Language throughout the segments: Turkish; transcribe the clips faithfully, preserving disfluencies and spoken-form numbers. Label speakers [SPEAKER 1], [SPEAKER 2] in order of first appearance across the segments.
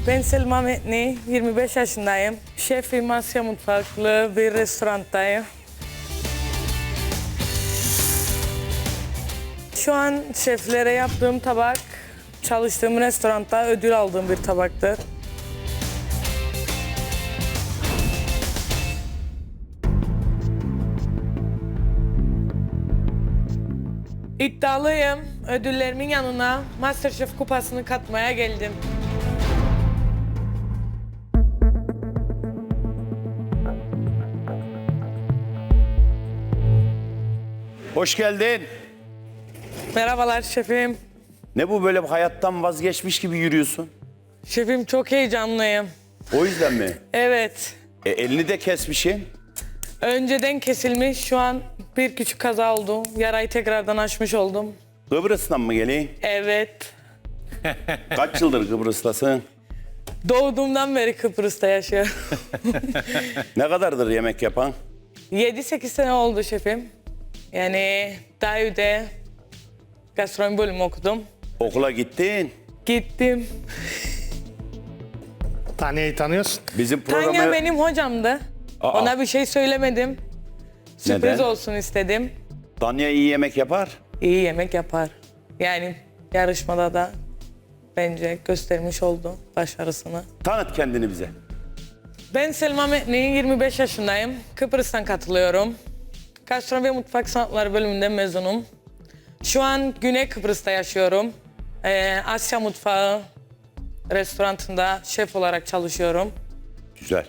[SPEAKER 1] Ben Selma Metni, yirmi beş yaşındayım. Şefim, Asya mutfaklı bir restorandayım. Şu an şeflere yaptığım tabak, çalıştığım restoranda ödül aldığım bir tabaktır. İddialıyım. Ödüllerimin yanına MasterChef kupasını katmaya geldim.
[SPEAKER 2] Hoş geldin.
[SPEAKER 1] Merhabalar şefim.
[SPEAKER 2] Ne bu böyle hayattan vazgeçmiş gibi yürüyorsun?
[SPEAKER 1] Şefim çok heyecanlıyım.
[SPEAKER 2] O yüzden mi?
[SPEAKER 1] Evet.
[SPEAKER 2] E, elini de kesmişsin.
[SPEAKER 1] Önceden kesilmiş, şu an bir küçük kaza oldu. Yarayı tekrardan açmış oldum.
[SPEAKER 2] Kıbrıs'tan mı geleyim?
[SPEAKER 1] Evet.
[SPEAKER 2] Kaç yıldır Kıbrıs'tasın?
[SPEAKER 1] Doğduğumdan beri Kıbrıs'ta yaşıyorum.
[SPEAKER 2] Ne kadardır yemek yapan?
[SPEAKER 1] yedi sekiz sene oldu şefim. Yani daha önce gastronomi bölümü okudum.
[SPEAKER 2] Okula gittin.
[SPEAKER 1] Gittim.
[SPEAKER 3] Tanya'yı tanıyorsun.
[SPEAKER 2] Bizim programı...
[SPEAKER 1] Tanya benim hocamdı.
[SPEAKER 2] Aa.
[SPEAKER 1] Ona bir şey söylemedim. Sürpriz
[SPEAKER 2] Neden?
[SPEAKER 1] olsun istedim.
[SPEAKER 2] Tanya iyi yemek yapar.
[SPEAKER 1] İyi yemek yapar. Yani yarışmada da bence göstermiş oldu başarısını.
[SPEAKER 2] Tanıt kendini bize.
[SPEAKER 1] Ben Selma Metni, yirmi beş yaşındayım. Kıbrıs'tan katılıyorum. Gastronomi ve Mutfak Sanatları bölümünden mezunum. Şu an Güney Kıbrıs'ta yaşıyorum. Ee, Asya Mutfağı restoranında şef olarak çalışıyorum.
[SPEAKER 2] Güzel.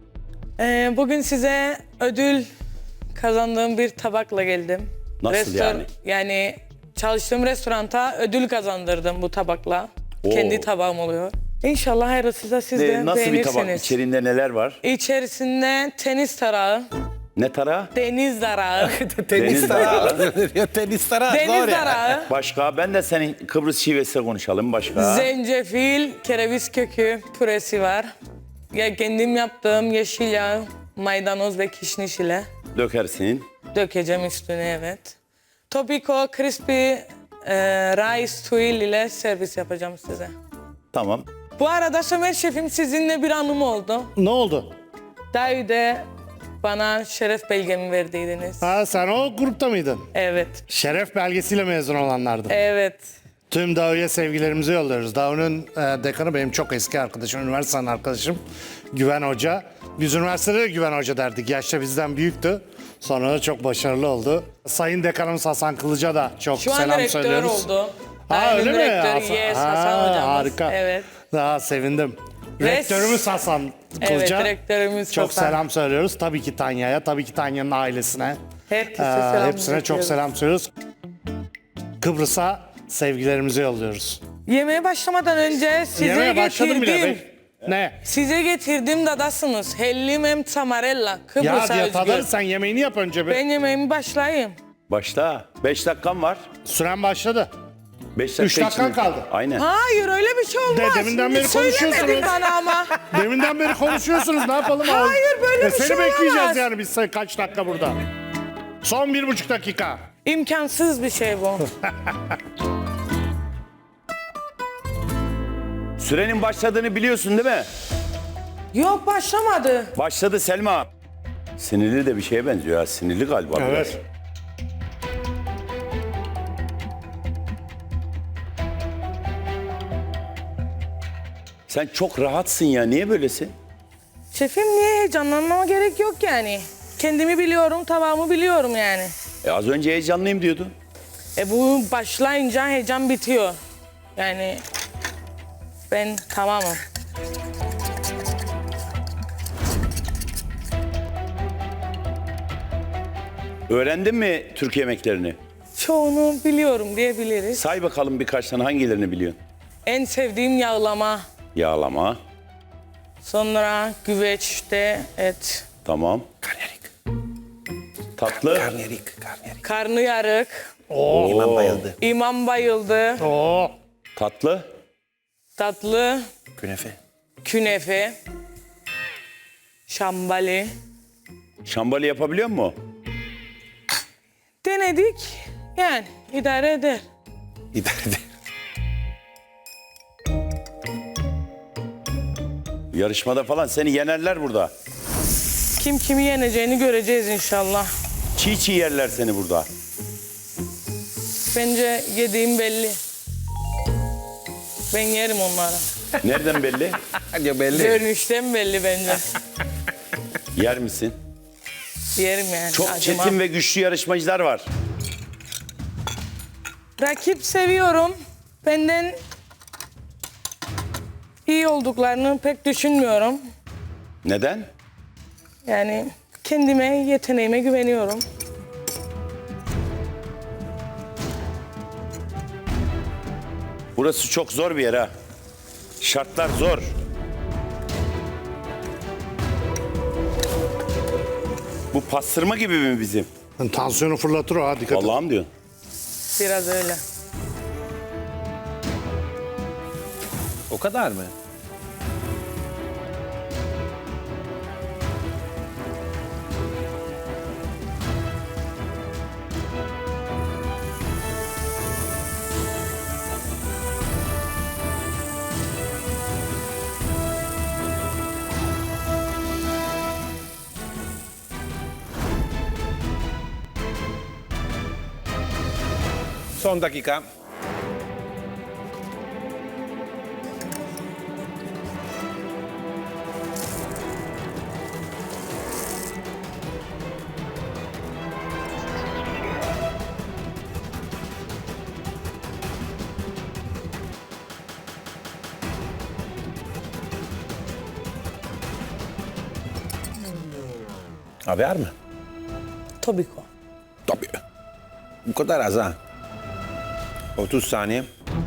[SPEAKER 1] Ee, bugün size ödül kazandığım bir tabakla geldim.
[SPEAKER 2] Nasıl yani?
[SPEAKER 1] Yani çalıştığım restoranta ödül kazandırdım bu tabakla.
[SPEAKER 2] Oo.
[SPEAKER 1] Kendi tabağım oluyor. İnşallah hayırlısı da siz de
[SPEAKER 2] Ne, nasıl bir
[SPEAKER 1] beğenirsiniz.
[SPEAKER 2] tabak? İçeriğinde neler var?
[SPEAKER 1] İçerisinde tenis tarağı,
[SPEAKER 2] Ne tarağı?
[SPEAKER 1] deniz tarağı,
[SPEAKER 2] Deniz tarağı.
[SPEAKER 3] ya tenis tarağı
[SPEAKER 1] deniz
[SPEAKER 3] zor ya.
[SPEAKER 1] tarağı,
[SPEAKER 2] Başka? Ben de senin Kıbrıs şivesiyle konuşalım. Başka?
[SPEAKER 1] zencefil, kereviz kökü püresi var. Ya kendim yaptığım yeşil yağ, maydanoz ve kişniş ile
[SPEAKER 2] Dökersin.
[SPEAKER 1] dökeceğim üstüne, evet. Topiko crispy e, rice tuil ile servis yapacağım size.
[SPEAKER 2] Tamam.
[SPEAKER 1] Bu arada Sömer Şefim, sizinle bir anım oldu.
[SPEAKER 3] Ne oldu?
[SPEAKER 1] Daha önce bana şeref belgemi verdiydiniz.
[SPEAKER 3] Ha, sen o grupta mıydın?
[SPEAKER 1] Evet,
[SPEAKER 3] Şeref belgesiyle mezun olanlardan.
[SPEAKER 1] evet.
[SPEAKER 3] Tüm Davu'ya sevgilerimizi yolluyoruz. Davu'nun e, dekanı benim çok eski arkadaşım, üniversiteden arkadaşım Güven Hoca. Biz üniversitede de Güven Hoca derdik. Yaşta bizden büyüktü. Sonra da çok başarılı oldu. Sayın Dekanımız Hasan Kılıç'a da çok
[SPEAKER 1] Şu an
[SPEAKER 3] selam
[SPEAKER 1] rektör
[SPEAKER 3] söylüyoruz.
[SPEAKER 1] oldu.
[SPEAKER 3] Ha,
[SPEAKER 1] Daimi
[SPEAKER 3] öyle mi?
[SPEAKER 1] rektör,
[SPEAKER 3] Hasan-
[SPEAKER 1] yes,
[SPEAKER 3] Ha,
[SPEAKER 1] Hasan hocamız.
[SPEAKER 3] harika.
[SPEAKER 1] Evet.
[SPEAKER 3] Daha sevindim.
[SPEAKER 1] Res-
[SPEAKER 3] Rektörümüz Hasan Kılıç'a
[SPEAKER 1] Evet, rektörümüz
[SPEAKER 3] çok
[SPEAKER 1] Hasan.
[SPEAKER 3] selam söylüyoruz. Tabii ki Tanya'ya, tabii ki Tanya'nın ailesine.
[SPEAKER 1] Herkese
[SPEAKER 3] Ee,
[SPEAKER 1] selam
[SPEAKER 3] hepsine çok
[SPEAKER 1] iletiyoruz.
[SPEAKER 3] selam söylüyoruz. Kıbrıs'a sevgilerimizi yolluyoruz.
[SPEAKER 1] Yemeğe başlamadan önce size
[SPEAKER 3] Yemeğe başladım bile.
[SPEAKER 1] getirdim.
[SPEAKER 3] Ben- Ne?
[SPEAKER 1] Size getirdim dadasınız. Hellim em tamarella.
[SPEAKER 3] Ya
[SPEAKER 1] Kıbrıs'a
[SPEAKER 3] diye
[SPEAKER 1] özgü.
[SPEAKER 3] tadarız, sen yemeğini yap önce bir.
[SPEAKER 1] Ben yemeğimi başlayayım.
[SPEAKER 2] Başla. Beş dakikam var.
[SPEAKER 3] Süren başladı.
[SPEAKER 2] Beş dakika
[SPEAKER 3] Üç dakikan
[SPEAKER 2] içinde-
[SPEAKER 3] kaldı.
[SPEAKER 2] Aynen.
[SPEAKER 1] Hayır, öyle bir şey olmaz.
[SPEAKER 3] De- deminden beri
[SPEAKER 1] Söylemedin
[SPEAKER 3] konuşuyorsunuz.
[SPEAKER 1] bana ama.
[SPEAKER 3] Deminden beri konuşuyorsunuz, ne yapalım?
[SPEAKER 1] Hayır, böyle
[SPEAKER 3] E,
[SPEAKER 1] bir
[SPEAKER 3] seni
[SPEAKER 1] şey
[SPEAKER 3] bekleyeceğiz
[SPEAKER 1] olamaz.
[SPEAKER 3] yani biz sen kaç dakika burada. Son bir buçuk dakika.
[SPEAKER 1] İmkansız bir şey bu.
[SPEAKER 2] Sürenin başladığını biliyorsun değil mi?
[SPEAKER 1] Yok, başlamadı.
[SPEAKER 2] Başladı Selma. Sinirli de bir şeye benziyor ya. Sinirli galiba biraz.
[SPEAKER 3] Evet.
[SPEAKER 2] Sen çok rahatsın ya. Niye böylesin?
[SPEAKER 1] Şefim, niye heyecanlanmama gerek yok yani. Kendimi biliyorum, tabağımı biliyorum yani.
[SPEAKER 2] E az önce heyecanlıyım diyordun.
[SPEAKER 1] E bu başlayınca heyecan bitiyor. Yani ben tamamım.
[SPEAKER 2] Öğrendin mi Türk yemeklerini?
[SPEAKER 1] Çoğunu biliyorum diyebiliriz.
[SPEAKER 2] Say bakalım birkaç tane hangilerini biliyorsun?
[SPEAKER 1] En sevdiğim yağlama.
[SPEAKER 2] Yağlama.
[SPEAKER 1] Sonra güveçte et.
[SPEAKER 2] Tamam.
[SPEAKER 4] Karnıyarık.
[SPEAKER 2] Tatlı.
[SPEAKER 4] Karnıyarık. Karnıyarık.
[SPEAKER 1] Karnıyarık.
[SPEAKER 3] Oo.
[SPEAKER 4] İmam bayıldı.
[SPEAKER 1] İmam bayıldı.
[SPEAKER 3] Oo.
[SPEAKER 2] Tatlı.
[SPEAKER 1] Tatlı.
[SPEAKER 4] Künefe.
[SPEAKER 1] Künefe. Şambali.
[SPEAKER 2] Şambali yapabiliyor musun?
[SPEAKER 1] Denedik. Yani idare eder.
[SPEAKER 4] İdare eder.
[SPEAKER 2] Yarışmada falan seni yenerler burada.
[SPEAKER 1] Kim kimi yeneceğini göreceğiz inşallah.
[SPEAKER 2] Çiğ çiğ yerler seni burada.
[SPEAKER 1] Bence yediğim belli. Ben yerim onları.
[SPEAKER 2] Nereden belli?
[SPEAKER 4] Ya belli.
[SPEAKER 1] Görünüşten belli bence.
[SPEAKER 2] Yer misin?
[SPEAKER 1] Yerim yani.
[SPEAKER 2] Çok
[SPEAKER 1] acımam.
[SPEAKER 2] çetin ve güçlü yarışmacılar var.
[SPEAKER 1] Rakip seviyorum. Benden iyi olduklarını pek düşünmüyorum.
[SPEAKER 2] Neden?
[SPEAKER 1] Yani kendime, yeteneğime güveniyorum.
[SPEAKER 2] Burası çok zor bir yer ha. Şartlar zor. Bu pastırma gibi mi bizim?
[SPEAKER 3] Yani tansiyonu fırlatır o ha, dikkat et.
[SPEAKER 2] Allah'ım diyorsun.
[SPEAKER 1] Biraz öyle.
[SPEAKER 4] O kadar mı? Son dakika. Haber mi?
[SPEAKER 1] Tabii ki.
[SPEAKER 4] Tabii. Bu kadar az ha. otuz saniye.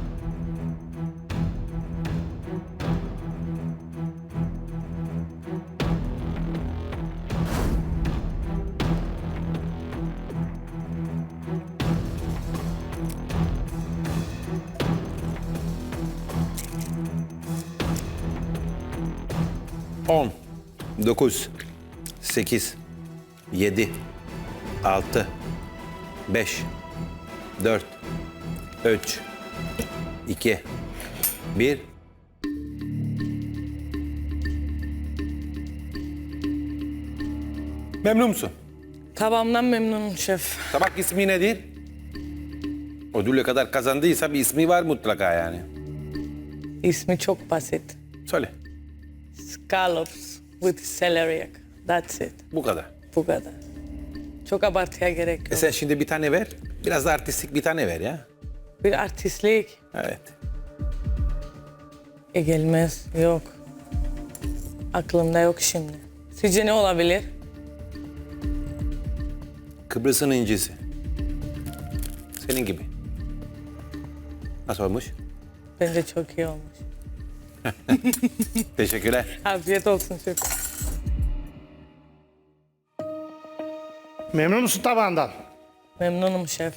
[SPEAKER 4] On, dokuz, sekiz, yedi, altı, beş, dört, üç, iki, bir. Memnun musun?
[SPEAKER 1] Tabağımdan memnunum şef.
[SPEAKER 4] Tabak ismi nedir? Ödülle kadar kazandıysa bir ismi var mutlaka yani.
[SPEAKER 1] İsmi çok basit.
[SPEAKER 4] Söyle.
[SPEAKER 1] Scallops with celery. That's it.
[SPEAKER 4] Bu kadar.
[SPEAKER 1] Bu kadar. Çok abartıya gerek yok.
[SPEAKER 4] E sen şimdi bir tane ver. Biraz da artistik bir tane ver ya.
[SPEAKER 1] Bir artistlik.
[SPEAKER 4] Evet.
[SPEAKER 1] E gelmez. Yok. Aklımda yok şimdi. Sizce ne olabilir?
[SPEAKER 4] Kıbrıs'ın incisi. Senin gibi. Nasıl olmuş?
[SPEAKER 1] Bence çok iyi olmuş.
[SPEAKER 4] Teşekkürler.
[SPEAKER 1] Afiyet olsun şef.
[SPEAKER 3] Memnun musun tabağından?
[SPEAKER 1] Memnunum şef.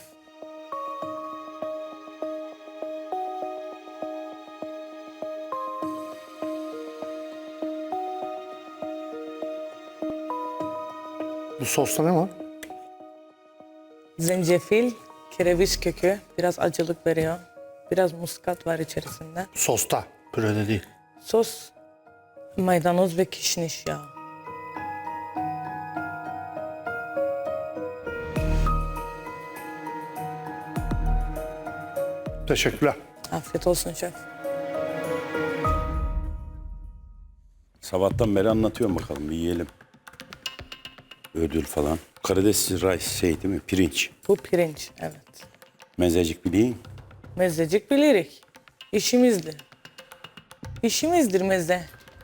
[SPEAKER 3] Bu sosta ne var?
[SPEAKER 1] Zencefil, kereviz kökü. Biraz acılık veriyor. Biraz muskat var içerisinde.
[SPEAKER 3] Sosta, pürede değil.
[SPEAKER 1] Sos, maydanoz ve kişniş yağı.
[SPEAKER 3] Teşekkürler.
[SPEAKER 1] Afiyet olsun şef.
[SPEAKER 2] Sabahtan beri anlatıyorum bakalım bir yiyelim. Ödül falan. Karides rice şey değil mi? Pirinç.
[SPEAKER 1] Bu pirinç, evet.
[SPEAKER 2] Mezecik bileyim.
[SPEAKER 1] Mezecik bilirik. İşimizdir. İşimizdir meze.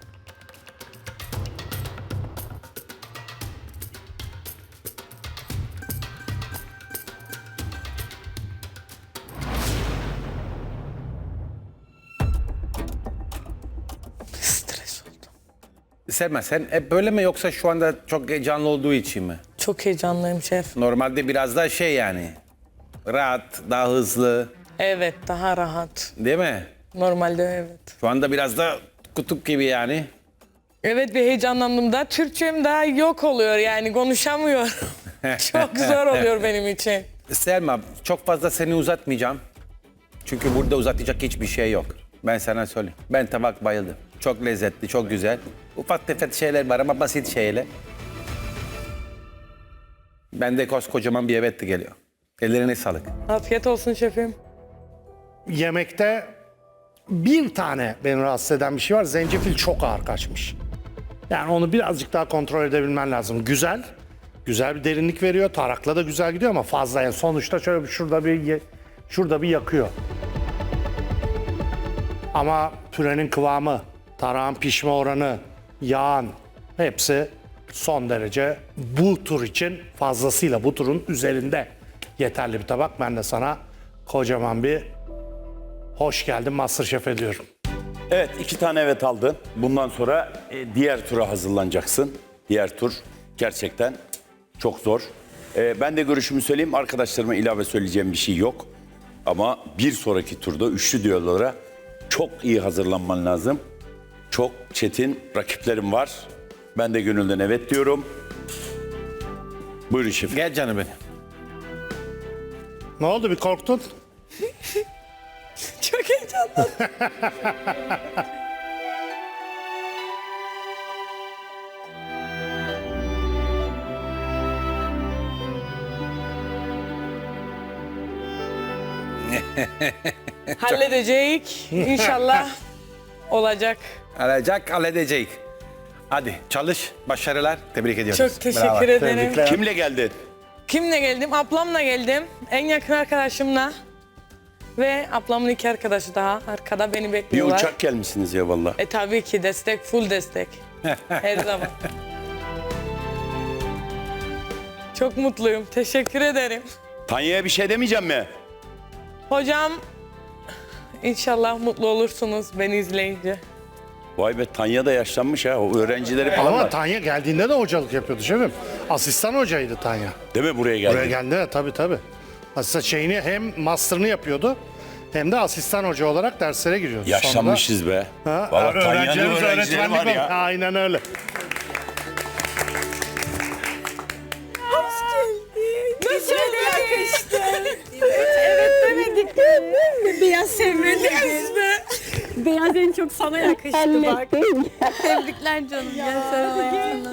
[SPEAKER 1] Stres oldum.
[SPEAKER 4] Selma sen hep böyle mi yoksa şu anda çok heyecanlı olduğu için mi?
[SPEAKER 1] Çok heyecanlıyım şef.
[SPEAKER 4] Normalde biraz daha şey yani. Rahat, daha hızlı
[SPEAKER 1] Evet, daha rahat.
[SPEAKER 4] değil mi?
[SPEAKER 1] Normalde evet.
[SPEAKER 4] Şu anda biraz da kutup gibi yani.
[SPEAKER 1] Evet, bir heyecanlandığımda Türkçem daha yok oluyor yani konuşamıyorum. Çok zor oluyor benim için.
[SPEAKER 4] Selma çok fazla seni uzatmayacağım. Çünkü burada uzatacak hiçbir şey yok. Ben sana söyleyeyim. Ben tabak bayıldım. Çok lezzetli, çok güzel. Ufak tefek şeyler var ama basit şeyler. Bende koskocaman bir evet de geliyor. Ellerine sağlık.
[SPEAKER 1] Afiyet olsun şefim.
[SPEAKER 3] Yemekte bir tane beni rahatsız eden bir şey var. Zencefil çok ağır kaçmış. Yani onu birazcık daha kontrol edebilmen lazım. Güzel. Güzel bir derinlik veriyor. Tarakla da güzel gidiyor ama fazla. Yani sonuçta şöyle bir şurada bir ye- şurada bir yakıyor. Ama pürenin kıvamı, tarağın pişme oranı, yağın hepsi son derece bu tur için fazlasıyla bu turun üzerinde yeterli bir tabak. Ben de sana kocaman bir hoş geldin MasterChef ediyorum.
[SPEAKER 2] Evet, iki tane evet aldın. Bundan sonra e, diğer tura hazırlanacaksın. Diğer tur gerçekten çok zor. E, ben de görüşümü söyleyeyim. Arkadaşlarıma ilave söyleyeceğim bir şey yok. Ama bir sonraki turda üçlü düellolara çok iyi hazırlanman lazım. Çok çetin rakiplerim var. Ben de gönülden evet diyorum. Buyurun şefim.
[SPEAKER 4] Gel canım benim.
[SPEAKER 3] Ne oldu, bir korktun?
[SPEAKER 1] Çok heyecanlandım. Halledecek. İnşallah olacak.
[SPEAKER 4] Alacak, halledecek. Hadi çalış, başarılar. Tebrik ediyoruz.
[SPEAKER 1] Çok teşekkür
[SPEAKER 4] Bravo.
[SPEAKER 1] ederim.
[SPEAKER 3] Tebrikler.
[SPEAKER 2] Kimle geldin?
[SPEAKER 1] Kimle geldim? Ablamla geldim. En yakın arkadaşımla. Ve ablamın iki arkadaşı daha arkada beni
[SPEAKER 2] Bir
[SPEAKER 1] bekliyorlar.
[SPEAKER 2] uçak gelmişsiniz ya vallahi.
[SPEAKER 1] E tabii ki destek, full destek. Her zaman. Çok mutluyum. Teşekkür ederim.
[SPEAKER 2] Tanya'ya bir şey demeyeceğim mi?
[SPEAKER 1] Hocam inşallah mutlu olursunuz beni izleyince.
[SPEAKER 2] Vay be, Tanya da yaşlanmış ha. O öğrencileri falan
[SPEAKER 3] Ama
[SPEAKER 2] var.
[SPEAKER 3] Tanya geldiğinde de hocalık yapıyordu şefim. Asistan hocaydı Tanya.
[SPEAKER 2] Değil mi buraya geldi?
[SPEAKER 3] Buraya geldi tabii tabii. Asistan şeyini hem master'ını yapıyordu hem de asistan hoca olarak derslere giriyordu.
[SPEAKER 2] Yaşlanmışız be.
[SPEAKER 3] Sonra da- Ha,
[SPEAKER 2] Vallahi Tanya'nın
[SPEAKER 3] öğrencilerimiz
[SPEAKER 2] öğrencileri var
[SPEAKER 3] öğretmenlik
[SPEAKER 2] ya.
[SPEAKER 3] oldu. Aynen öyle.
[SPEAKER 5] Nasıl yakıştı? Evet demedik mi? Beyaz sevmedik. Beyaz en çok sana yakıştı bak. Tebrikler canım. Gel sarılayım.